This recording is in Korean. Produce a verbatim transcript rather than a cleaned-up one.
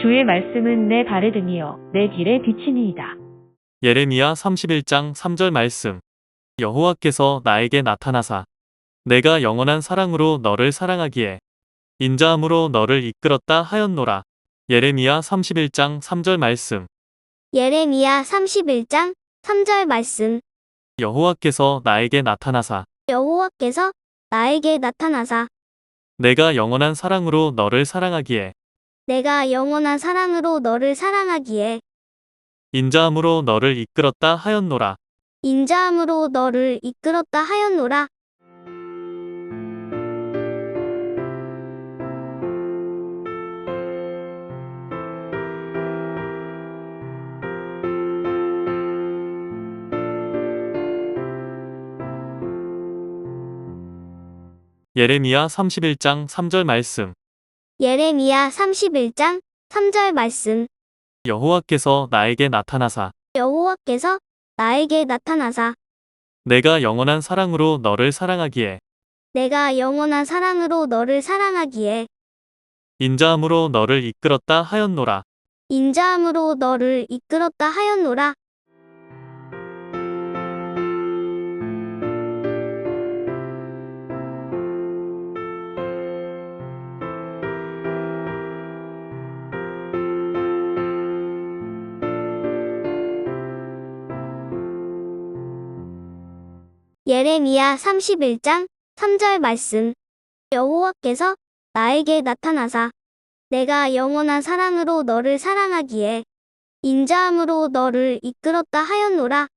주의 말씀은 내 발에 등이요 내 길에 비치니이다. 예레미야 삼십일 장 삼 절 말씀. 여호와께서 나에게 나타나사 내가 영원한 사랑으로 너를 사랑하기에 인자함으로 너를 이끌었다 하였노라. 예레미야 삼십일 장 삼 절 말씀. 예레미야 삼십일 장 삼 절 말씀. 여호와께서 나에게 나타나사 여호와께서 나에게 나타나사 내가 영원한 사랑으로 너를 사랑하기에 내가 영원한 사랑으로 너를 사랑하기에 인자함으로 너를 이끌었다 하였노라. 인자함으로 너를 이끌었다 하였노라. 예레미야 삼십일 장 삼 절 말씀. 예레미야 삼십일 장 삼 절 말씀. 여호와께서 나에게 나타나사 여호와께서 나에게 나타나사 내가 영원한 사랑으로 너를 사랑하기에 내가 영원한 사랑으로 너를 사랑하기에 인자함으로 너를 이끌었다 하였노라. 인자함으로 너를 이끌었다 하였노라. 예레미야 삼십일 장 삼 절 말씀. 여호와께서 나에게 나타나사 내가 영원한 사랑으로 너를 사랑하기에 인자함으로 너를 이끌었다 하였노라.